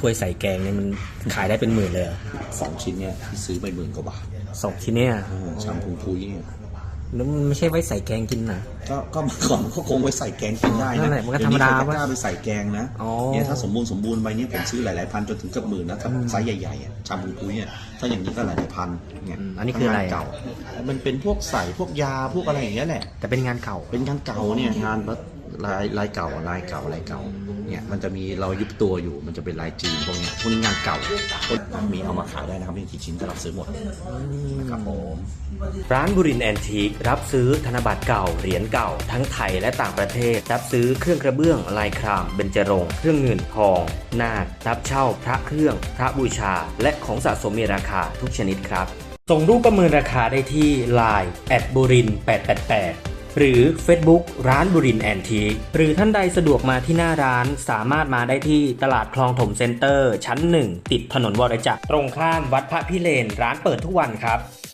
ถ้วยใส่แกงเนี่ยมันขายได้เป็นหมื่นเลยเหรอ 2 ชิ้นเนี่ยที่ซื้อไป10,000 กว่าบาท 2 ชิ้นเนี่ยชามพุยเนี่ยแล้วมันไม่ใช่ไว้ใส่แกงกินนะก็เมื่อก่อนก็คงไว้ใส่แกงกินได้นั่นะนแหละมันก็ธรรมดาเยวนี้ใครจะกล้าไปใส่แกงนะอ๋อเนี่ยถ้าสมบูรณ์ไปเนี่ยผมซื้อหลายๆพันจนถึงเกือบหมื่นนะถ้าไซส์ใหญ่ๆอ่ะชามพุยเนี่ยถ้าอย่างนี้ก็หลายๆพันเนี่ยอันนี้คืออะไรงานเก่ามันเป็นพวกใส่พวกยาพวกอะไรอย่างเงี้ยแหละแต่เป็นงานเก่าเป็นงานเก่าเนี่ยงานลายเก่าเนี่ยมันจะมีเรายุบตัวอยู่มันจะเป็นลายจีนพวกนี้งานเก่ามีเอามาขายได้นะครับมีกี่ชิ้นก็รับซื้อหมดนะครับผมร้านบุรินทร์แอนทีครับซื้อธนบัตรเก่าเหรียญเก่าทั้งไทยและต่างประเทศรับซื้อเครื่องกระเบื้องลายครามเบญจรงค์เครื่องเงินทองนาครับเช่าพระเครื่องพระบูชาและของสะสมมีราคาทุกชนิดครับส่งรูปประเมินราคาได้ที่ Line @burin888 หรือ Facebook ร้านบุรินทร์แอนทีหรือท่านใดสะดวกมาที่หน้าร้านสามารถมาได้ที่ตลาดคลองถมเซ็นเตอร์ชั้น 1 ติดถนนวรจักรตรงข้ามวัดพระพิเรนร้านเปิดทุกวันครับ